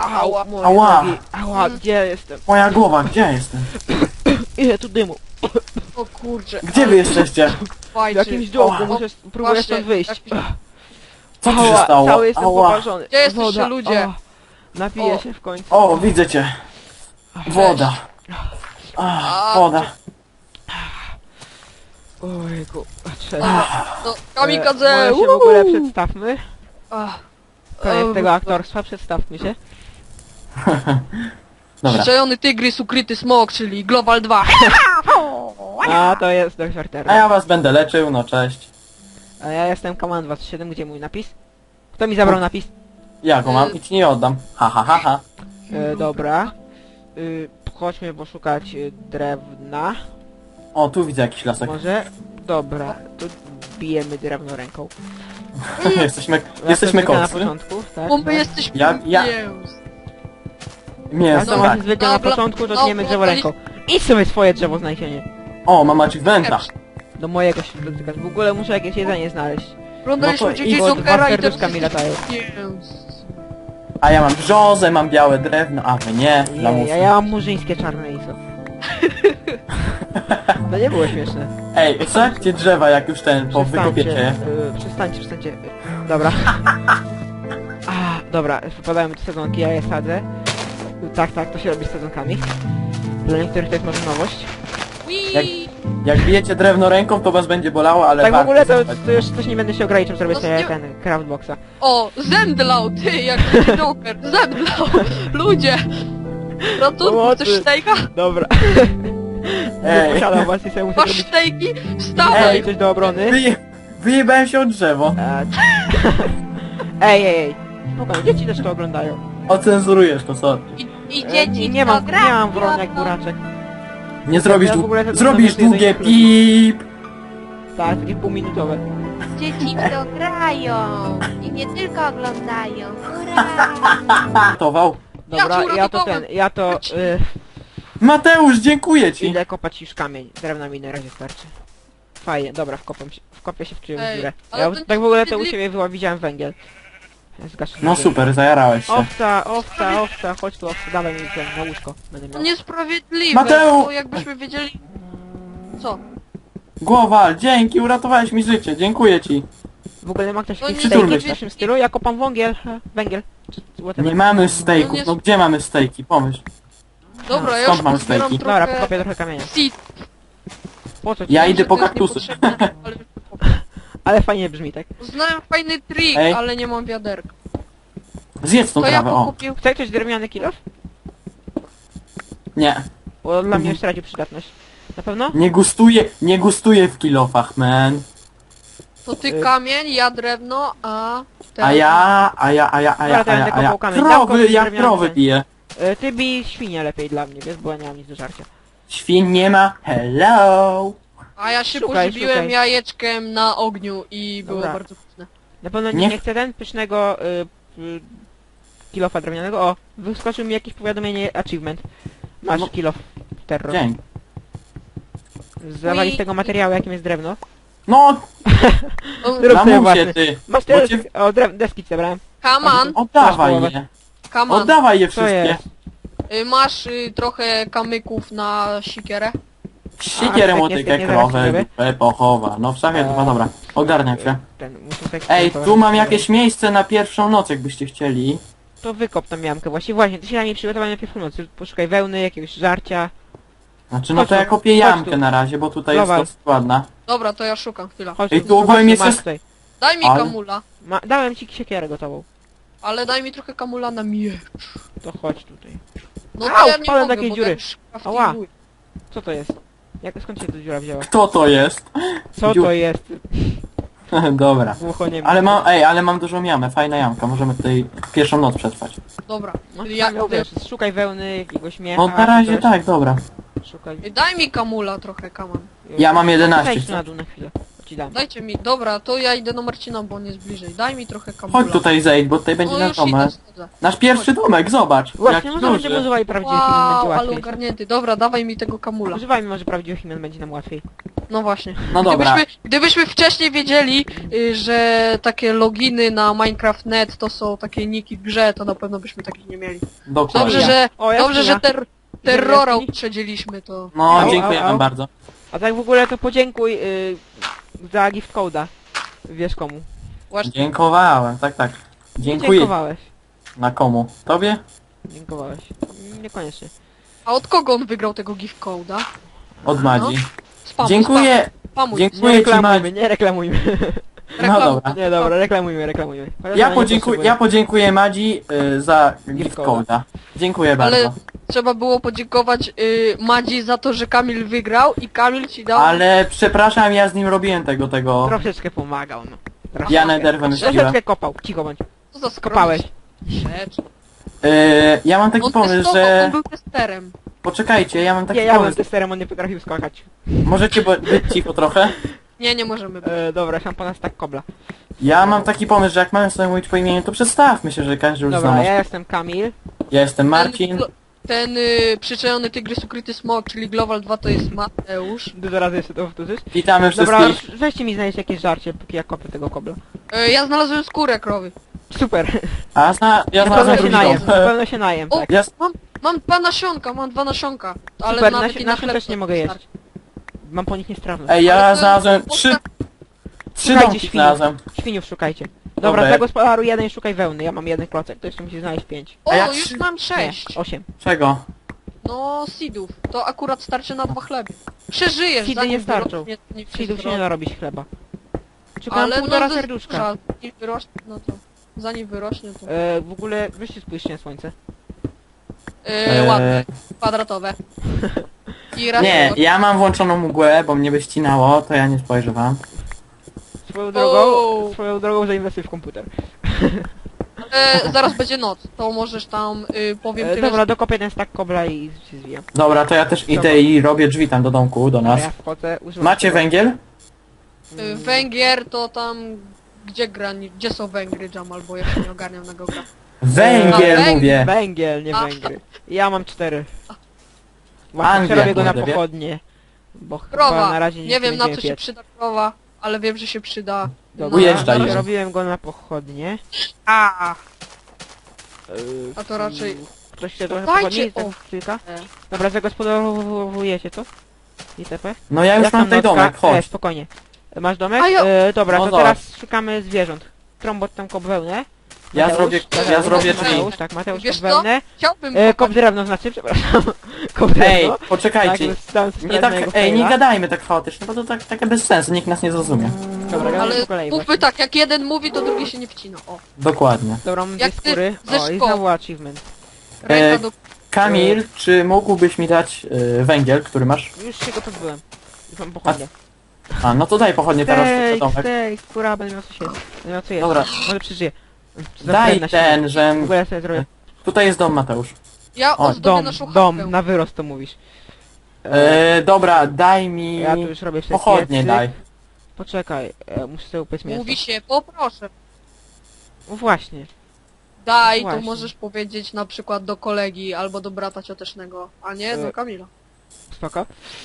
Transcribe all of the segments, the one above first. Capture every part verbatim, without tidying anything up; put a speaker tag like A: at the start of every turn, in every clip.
A: Ała,
B: moje
C: Ała.
B: nogi. Ała, gdzie ja jestem?
C: Moja głowa, gdzie ja jestem?
B: Ile tu dymu?
A: O kurczę.
C: Gdzie wy jesteście?
B: W
A: Fajczy.
B: jakimś dołku,
C: Ała.
B: muszę próbuję
A: Właśnie,
B: stąd wyjść.
A: jakiś-
C: Co tu się
B: Ała,
C: stało?
B: cały jestem
C: Ała.
B: poparzony.
A: Gdzie jesteście,
B: Woda,
A: ludzie?
B: o, Napiję
A: O.
B: się w końcu.
C: O, widzę cię. Woda. Ach, woda.
B: Ojku, patrzę.
A: No,
B: E,
A: kamikadze!
B: może się w ogóle przedstawmy.
A: Ach,
B: Koniec
A: Em,
B: tego aktorstwa, przedstawmy się.
C: Dobra.
A: Przyczajony tygrys, ukryty smok, czyli Global dwa.
B: A, to jest Dość
C: A
B: Artera.
C: ja was będę leczył, no cześć.
B: A ja jestem Command dwa siedem, gdzie mój napis? Kto mi zabrał napis?
C: Ja go mam i ci nie oddam. Ha, ha, ha, ha.
B: E, dobra. Y, chodźmy poszukać y, drewna.
C: O, tu widzę jakiś lasek.
B: Może? Dobra, to bijemy drewno ręką.
C: jesteśmy,
B: Ja
C: jesteśmy
B: to zwykle na
C: kocy.
B: początku, tak?
A: Bo my
B: tak.
A: jesteśmy
C: Ja- ja-
A: mięs.
B: Ja
C: Mięso,
B: to
C: tak.
B: właśnie zwykle na
A: Dobra,
B: początku, to
A: dobra,
B: tniemy drzewo
A: to
B: ręką. Idź sobie swoje drzewo znajdzienie.
C: O, mam achievementa.
B: Do mojego się dotykasz. W ogóle muszę jakieś jedzenie znaleźć.
A: Oglądaliśmy
C: No to
A: dzieci
C: idź,
A: z
B: bo dwa
A: Jokera i teraz
B: serduszka mi latają.
A: mięs.
C: A ja mam brzozę, mam białe drewno, a wy nie.
B: Ja,
C: Lamusy.
B: ja, ja mam murzyńskie czarne i co? To nie było śmieszne.
C: Ej, sadźcie drzewa, jak już ten, po wykopiecie je.
B: y, przestańcie, przestańcie. y, Dobra. A, dobra, wypadają mi tu sadzonki, ja je sadzę. Y, Tak, tak, to się robi z sadzonkami. Dla niektórych to jest może nowość.
C: Jak-
A: Wii!
C: Jak bijecie drewno ręką, to was będzie bolało, ale
B: Tak w
C: warto
B: ogóle to,
C: słuchać.
B: to już coś nie będę się ograniczał, zrobię
A: No
B: sobie
A: nie-
B: ten craftboxa.
A: O, zemdlał, ty, jak Joker, zemdlał. Ludzie! Ratunku,
B: Pomocy.
A: chcesz stejka?
B: Dobra.
C: Ej.
B: Nie posiadam was i sobie muszę
A: Masz
B: zrobić
A: stejki?
B: Ej,
A: Wstawaj!
B: coś do obrony.
C: Wyje... Wyjebałem się od drzewo.
B: E, Ej, ej, ej. Spokojnie, dzieci też to oglądają.
C: Ocenzurujesz to, sorry.
A: I, i
B: E,
A: dzieci
B: nie, nie mam,
A: to
B: nie mam
A: grają.
B: wron jak buraczek.
C: Nie zrobisz,
B: Ja w
C: dłu-
B: ogóle to-
C: zrobisz
B: to- to- to-
C: długie
B: to-
C: pip.
B: Tak, takie półminutowe.
D: Dzieci w to grają i nie tylko oglądają. Hurra!
C: Tował.
B: Dobra,
A: Ja ci
B: ja to
A: uratowałem.
B: ten, ja to... Y,
C: Mateusz, dziękuję ci.
B: idę kopać już kamień. Drewna mi na razie starczy. Fajnie, dobra, wkopam się, wkopię się w czyjąś
A: Ej,
B: dziurę.
A: ale
B: Ja
A: to nie
B: tak w ogóle to u
A: sprawiedliwe.
B: siebie wyła widziałem węgiel. Zgaszę
C: No
B: węgiel.
C: super, zajarałeś się.
B: Owca, owca, owca, chodź tu owca, dawaj mi ten na łóżko. Będę
A: To
B: miał.
A: niesprawiedliwe,
C: Mateu!
A: bo jakbyśmy wiedzieli... Co?
C: Głowa, dzięki, uratowałeś mi życie, dziękuję ci.
B: W ogóle ma ktoś
A: No
B: jakiś
A: nie
B: stejki
C: turmy
B: w
C: się.
B: naszym stylu? Ja kopam węgiel, e, węgiel. Czy- czy whatever.
C: Nie mamy
A: No
C: stejków,
A: nie-
C: no gdzie mamy stejki? Pomyśl.
A: Dobra, ja
C: skąd
A: już
C: mam
A: pozbieram
C: stejki?
A: trochę...
B: Dobra, pokopię trochę kamienia.
A: seed.
B: Po co ci?
C: Ja
A: Wiem,
C: idę
A: że
C: po
A: to jest
C: kaktusy.
A: niepotrzebne, ale...
B: Ale fajnie brzmi, tak?
A: Znałem fajny trik,
C: Ej.
A: ale nie mam wiaderka.
C: Zjedz tą
A: To ja
C: trawę, o.
A: pokupił...
B: Chce ktoś drewniany kilof?
C: Nie,
B: Bo dla mnie już stracił przydatność. Na pewno?
C: nie gustuję, nie gustuję w kilofach, man.
A: To ty
B: Y-
A: kamień, ja drewno, a... ten-
C: A ja, a ja, a ja, a ja,
B: Dobra, to
C: a
B: ja
C: ja,
B: będę
C: a ja.
B: kopał kamień.
C: Krowy,
B: Dam komuś
C: ja
B: drewniany
C: krowy
B: ten.
C: piję.
B: E, ty bij świnie lepiej dla mnie, wiesz, bo ja nie mam nic do żarcia.
C: Świn nie ma, hello.
A: A ja się
B: Szukaj,
A: pożywiłem
B: szukaj.
A: jajeczkiem na ogniu i było
B: Dobra.
A: bardzo pyszne.
B: Na pewno nie,
C: Niech-
B: nie chcę ten pysznego y, y, kilofa drewnianego. O, wyskoczył mi jakieś powiadomienie achievement. Masz
C: No.
B: kilof terror.
C: Dzięki.
B: Zawali z tego materiału, jakim jest drewno.
C: No,
A: O,
B: Zrób sobie
C: lamusie
B: własny.
C: ty.
B: Masz
C: Bo
B: teraz...
C: cię-
B: O, drew... deski zebrałem.
A: Kaman,
C: Oddawaj
B: połowę.
C: je.
A: kaman.
C: Oddawaj je
B: Co
C: wszystkie.
B: jest?
A: Y, Masz y, trochę kamyków na sikierę?
C: Sikierę,
B: A,
C: motykę,
B: świetnie, zaraz ci
C: krowę,
B: zrobię.
C: dupę, pochowa. No w szafie,
B: Eee.
C: no dobra. Ogarniam się.
B: Ten, muszę tak
C: Ej,
B: tak-
C: tu mam jakieś miejsce na pierwszą noc, jakbyście chcieli.
B: To wykop tam miamkę właśnie. Właśnie, ty się na niej przygotowaj najpierw w nocy. Poszukaj wełny, jakiegoś żarcia.
C: Znaczy, no
B: Chodź
C: to
B: tu,
C: ja kopię
B: chodź
C: jamkę
B: tu.
C: na razie, bo tutaj
B: Dawaj.
C: jest dosyć ładna.
A: Dobra, to ja szukam, chwila.
B: Chodź
C: Ej,
B: tu,
C: tu ogólnie
B: chodź
C: jest-
B: masz tutaj.
A: Daj mi
C: Ale-
A: kamula,
B: Ma... Dałem ci siekierę gotową.
A: ale daj mi trochę kamula na miecz.
B: To chodź tutaj.
A: No
B: Au,
A: to ja nie
B: wpadłem
A: mogę,
B: do takiej
A: bo
B: dziury.
A: ja już
B: Ała.
A: craftinguję.
B: Co to jest? Jak, skąd się ta dziura wzięła?
C: Kto to jest?
B: Co
C: Dziu-
B: to jest?
C: Dobra.
B: Głucho nie
C: Ale mam, ej, ale mam dużą jamę, fajna jamka, możemy tutaj pierwszą noc przetrwać.
A: Dobra,
B: No,
A: czyli
B: ja,
A: ja...
B: ja, wiesz, szukaj wełny, jakiegoś miecha.
C: No na razie
B: coś.
C: tak, dobra.
B: Szukaj.
A: Ej, Daj mi kamula trochę, kaman.
C: Ja mam jedenaście.
B: Zejdź tu na dół na chwilę. To ci dam.
A: Dajcie mi, dobra, to ja idę do Marcina, bo on jest bliżej. Daj mi trochę kamula.
C: Chodź tutaj zejdź, bo tutaj będzie
A: No
C: nasz
A: już idę,
C: domek.
A: schodzę.
C: Nasz pierwszy domek, zobacz.
B: Właśnie,
C: jak
B: może będziemy
C: duży.
B: używali prawdziwych imion, będzie
A: Wow, ale
B: łatwiej.
A: ogarnięty. Dobra, dawaj mi tego kamula.
B: Używajmy może prawdziwych imion, będzie nam łatwiej.
A: No właśnie.
C: No dobra.
A: Gdybyśmy, gdybyśmy wcześniej wiedzieli, y, że takie loginy na Minecraft kropka net to są takie niki w grze, to na pewno byśmy takich nie mieli.
C: Dokładnie.
A: Dobrze, że,
B: O,
A: dobrze,
B: jaskinia.
A: że ter, terrora
B: jaskini?
A: uprzedziliśmy to.
C: No,
B: Au,
C: dziękujemy
B: au, au.
C: bardzo.
B: A tak w ogóle to podziękuj yy, za gift code'a. Wiesz komu.
A: Właśnie.
C: Dziękowałem, tak, tak. Dziękuję.
B: Dziękowałeś.
C: Na komu? Tobie?
B: Dziękowałeś. Niekoniecznie.
A: A od kogo on wygrał tego gift code'a?
C: Od Madzi.
A: Spamuj,
C: Dziękuję.
A: Spamuj.
B: Nie
C: Dziękuję ci,
B: reklamujmy,
C: Madzi.
B: nie reklamujmy.
C: No
A: Reklam-
C: dobra.
B: Nie, dobra, reklamujmy, reklamujmy. Chociaż
C: Ja,
B: ona nie
C: podziękuję,
B: potrzebuje.
C: ja podziękuję Madzi y, za
B: Gift
C: gift
B: code'a.
C: code'a. Dziękuję
A: Ale
C: bardzo.
A: trzeba było podziękować y, Madzi za to, że Kamil wygrał i Kamil ci dał...
C: Ale przepraszam, ja z nim robiłem tego, tego...
B: Troszeczkę pomagał, no. Troszeczkę.
C: Ja Nether wymyśliłem.
B: Troszeczkę kopał, cicho bądź.
A: Co za skromność.
B: Kopałeś.
A: Rzecz.
C: Y, ja mam taki
A: On
C: pomysł,
A: testował,
C: że...
A: on był testerem.
C: Poczekajcie, ja mam taki
B: Nie, ja byłem
C: pomysł.
B: testerem, on nie potrafił skakać.
C: Możecie bo- być cicho trochę?
A: Nie, nie możemy być.
B: E, dobra, szampana tak kobla.
C: Ja mam taki pomysł, że jak mamy sobie mówić po imieniu, to przedstawmy się, że każdy już zna
B: Dobra,
C: nas.
B: ja jestem Kamil.
C: Ja jestem Marcin.
A: Ten, ten y, przyczajony tygrys ukryty smok, czyli Global dwa to jest Mateusz.
B: Dużo razy jeszcze to powtórzysz.
C: Witamy
B: Dobra,
C: wszystkich.
B: weźcie mi znaleźć jakieś żarcie, póki ja kopię tego kobla.
A: Y, ja znalazłem skórę krowy.
B: Super.
C: A zna, ja
B: Na pewno
C: znalazłem
B: się
C: drugi
B: najem,
C: dom.
B: na pewno się najem,
A: O,
B: tak.
C: Ja,
A: Mam, mam dwa nasionka, mam dwa nasionka. Ale
B: Super,
A: nawet
B: nasi-
A: i na
B: nasion
A: chleb
B: też
A: to
B: nie mogę jeść.
A: wystarczy.
B: Mam po nich niestrawność.
C: ej, ja
A: Ale to-
C: znalazłem
A: to-
C: trzy, trzy
B: Szukajcie
C: domki
B: świniów.
C: znalazłem.
B: Świniów szukajcie. Dobra,
C: Dobra.
B: dla gospodaru jeden szukaj wełny, ja mam jeden klocek, to jeszcze musisz znaleźć pięć.
A: O,
C: A ja
A: już
C: trzy-
A: mam
B: Nie,
A: sześć.
B: osiem.
C: Czego?
A: No, seedów. To akurat starczy na dwa chleby. Przeżyjesz,
B: Seedy
A: zanim
B: nie starczą.
A: wyrośnie, to nie
B: Seedów się
A: zrobi.
B: nie da robić chleba. Szukam
A: Ale
B: półtora
A: no,
B: serduszka.
A: Żal, zanim wyrośnie, no to... Zanim wyrośnie, to...
B: E, w ogóle, weźcie spójrzcie na słońce.
A: Yy,
C: Eee,
A: ładne, kwadratowe. I raz
C: Nie,
A: było.
C: ja mam włączoną mgłę, bo mnie by ścinało, to ja nie spojrzę wam.
B: Swoją drogą,
A: O.
B: swoją drogą zainwestuj w komputer.
A: E, zaraz będzie noc, to możesz tam, y, powiem
B: E,
A: tyle,
B: dobra, dokopię ten stack kobla i się zwijam.
C: Dobra, to ja też idę i robię drzwi tam do domku, do
B: Dobra,
C: nas.
B: ja wchodzę, używam
C: Macie
B: tego.
C: węgiel?
A: że, y, Węgier to tam... Gdzie grani... Gdzie są Węgry, Jamal, bo ja się nie ogarniam na geografii.
C: Węgiel
A: węgiel.
C: mówię!
B: Węgiel, nie
A: A.
B: węgry. Ja mam cztery. Właśnie
C: Anglia,
B: przerobię go na
C: kurde, wie?
B: pochodnie. Bo chyba
A: Krowa,
B: na razie
A: nie,
B: nic
A: wiem na co
B: będziemy
A: się
B: piec.
A: przyda krowa, ale wiem, że się przyda...
B: Dobra,
C: Ujeżdżaj.
B: przerobiłem go na pochodnie.
A: A,
B: Yy,
A: A to raczej-
B: Ktoś chce trochę
A: Dajcie-
B: pochodni? Tak,
A: o.
B: kilka?
A: E.
B: Dobra, zagospodarowujecie to? itp.
C: No ja już
B: Jak
C: mam
B: tam
C: tutaj
B: nocka?
C: domek,
B: E,
C: chodź.
B: spokojnie. Masz domek?
A: A ja-
B: E, dobra,
C: No
B: to
C: dobra.
B: teraz szukamy zwierząt. Trąbot tam kop wełnę.
C: Ja
B: Mateusz,
C: zrobię,
B: tak,
C: ja zrobię
A: Mateusz.
C: drzwi.
B: Mateusz, tak, Mateusz
A: Wiesz
B: kop
A: co?
B: wełnę.
A: chciałbym...
B: E, kop
A: popatrzeć-
B: drewno znaczy, przepraszam. kop
C: Ej,
B: drewno.
C: poczekajcie.
B: Tak, stałem sobie
C: Nie
B: na
C: tak,
B: jego
C: ej, nie
B: faila.
C: gadajmy tak chaotycznie, bo to tak, takie bez sensu, nikt nas nie zrozumie.
B: Dobra, gadamy
A: Ale
B: po kolei
A: mówmy
B: właśnie.
A: tak, jak jeden mówi, to drugi się nie wcina. O,
C: Dokładnie.
B: Dobra, mam
A: jak
B: dwie
A: ty
B: skóry.
A: ze
B: O, i
A: szkoły.
B: znowu achievement.
A: ręka
C: E,
A: do...
C: Kamil, czy mógłbyś mi dać y, węgiel, który masz?
B: Już się go pozbyłem. Już mam pochodnie.
C: A, no to daj pochodnie teraz do
B: Steak,
C: domek.
B: steak, skóra, będę miał co się jeść. Będę miał co jeść.
C: Dobra.
B: Może przeżyję. Za
C: Daj
B: na
C: ten,
B: śmierć.
C: że...
B: W ogóle ja sobie zrobię.
C: Tutaj jest dom, Mateusz.
A: Ja
C: O,
A: ozdobię
B: Dom,
A: naszą
B: dom,
A: chatę.
B: na wyrost to mówisz.
C: E, dobra, daj mi...
B: Ja tu już robię sobie
C: Pochodnie
B: piecyk.
C: daj.
B: Poczekaj, e, muszę sobie upyć mięso.
A: Mówi się, poproszę.
B: No właśnie.
A: Daj, to
B: Właśnie.
A: możesz powiedzieć na przykład do kolegi albo do brata ciotecznego, a nie
B: E.
A: do Kamila.
B: Spoko.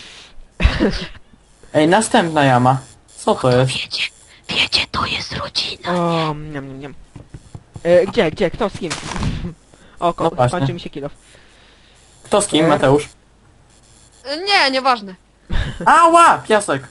C: Ej, następna jama. Co to jest?
A: Wiecie, wiecie, to jest rodzina.
B: O, niam, niam, niam. E, gdzie, gdzie, kto z kim? O, ko-
C: No właśnie.
B: kończy mi się kilof.
C: Kto z kim,
B: E.
C: Mateusz?
A: E, Nie, nieważne.
C: Ała! Piasek!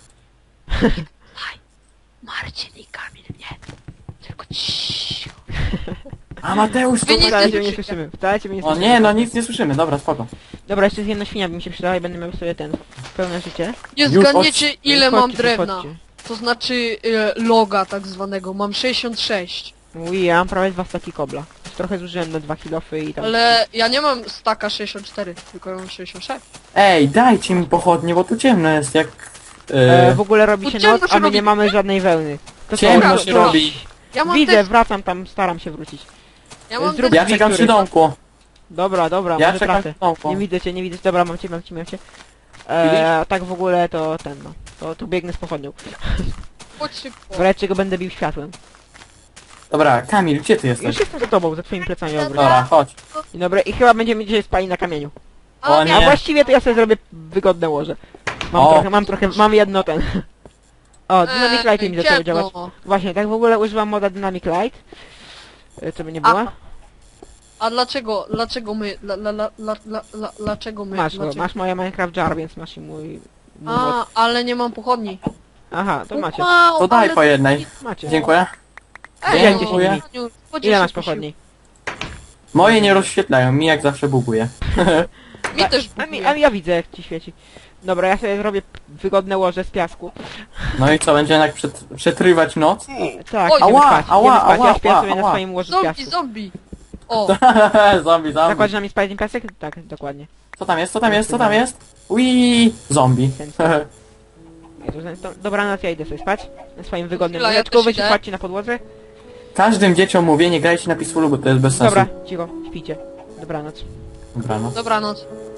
A: Marcin i Kamil, nie. Tylko ciii.
C: A Mateusz, to...
A: Wy nic
B: Wcale
A: nie
B: cię nie
A: słyszycie.
B: słyszymy, wcale cię nie
C: O
B: słyszymy.
C: nie, no nic nie słyszymy, dobra, spoko.
B: Dobra, jeszcze z jedna świnia by mi się przydała i będę miał sobie ten, pełne życie.
A: Nie
C: Już
A: zgadniecie
C: chodź-
A: ile
B: Chodźcie
A: mam
B: tu,
A: drewna.
B: chodźcie.
A: To znaczy e, loga tak zwanego. Mam sześćdziesiąt sześć.
B: Ui, ja mam prawie dwa staki kobla. Trochę zużyłem na dwa kilofy i tam...
A: Ale ja nie mam staka sześćdziesiąt cztery, tylko ja mam sześćdziesiąt sześć.
C: Ej, dajcie mi pochodnie, bo tu ciemno jest, jak...
B: E,
C: E,
B: w ogóle robi się
A: Ciemno
B: noc,
A: się
B: a my
A: robi.
B: nie mamy żadnej wełny. To co,
C: ciemno
B: to-
C: się
B: to-
C: robi.
A: Ja mam
B: Widzę,
A: też,
B: wracam tam, staram się wrócić.
A: ja mam
B: zrób-
A: też,
C: Ja czekam przy
B: Który?
C: domku.
B: Dobra, dobra,
C: Ja
B: może
C: czekam
B: tracę.
C: przy domku.
B: Nie widzę cię, nie widzę cię, dobra, mam cię, mam cię, mam cię.
C: Widzisz?
B: E, a tak w ogóle to ten no, to, to biegnę z pochodnią.
A: chodź szybko.
B: Wreszcie go będę bił światłem.
C: Dobra, Kamil, gdzie ty jesteś?
B: Już jestem za tobą, za twoimi plecami obrót.
C: Dobra, chodź.
B: Dzień dobry, i chyba będziemy dzisiaj spali na kamieniu.
C: O
A: A,
C: nie.
B: A właściwie to ja sobie zrobię wygodne łoże. Mam
C: O.
B: trochę, mam trochę, mam jedno ten. O, Dynamic Light mi zaczęło
A: ciemno.
B: działać. Właśnie, tak w ogóle używam moda Dynamic Light. Y, Co by nie było?
A: Aha. A dlaczego, dlaczego my, la, la, la, la, la, la, dlaczego my,
B: Masz go,
A: dlaczego?
B: masz moje Minecraft Jar, więc masz i mój... mój mod.
A: A, ale nie mam pochodni.
B: Aha, to macie.
A: Wow,
C: To daj
A: ale-
C: po jednej.
B: Macie.
C: Dziękuję.
A: Ej,
C: Dziękuję.
A: no,
B: Ile masz
A: się
B: pochodni?
C: Moje nie rozświetlają, mi jak zawsze buguje.
A: Mi też
B: A mi,
A: buguje.
B: a mi ja widzę, jak ci świeci. Dobra, ja sobie zrobię wygodne łoże z piasku.
C: No i co, będzie jednak przet, przetrywać noc?
B: Tak,
A: Oj.
B: idziemy
C: Ała,
B: spać,
C: ała,
B: idziemy spać.
C: ała,
B: Ja śpię
C: ała,
B: sobie na
C: ała.
B: swoim łożu z
A: Zombie,
B: piasku.
A: zombie! O,
C: zombie, zombie.
B: Zakładasz na mnie spać ten piasek? Tak, dokładnie.
C: Co tam jest, co tam jest, co tam jest? Ui, zombie.
B: Jezu, to- Dobranoc, ja idę sobie spać. Na swoim wygodnym
A: Chwila, ja
B: łóżeczku,
A: też
B: wy się
A: idę.
B: kładźcie na podłodze.
C: Każdym dzieciom mówię, nie grajcie na Peacefulu, bo to jest bez sensu.
B: Dobra, cicho, śpijcie. Dobranoc.
C: Dobranoc.
A: dobranoc.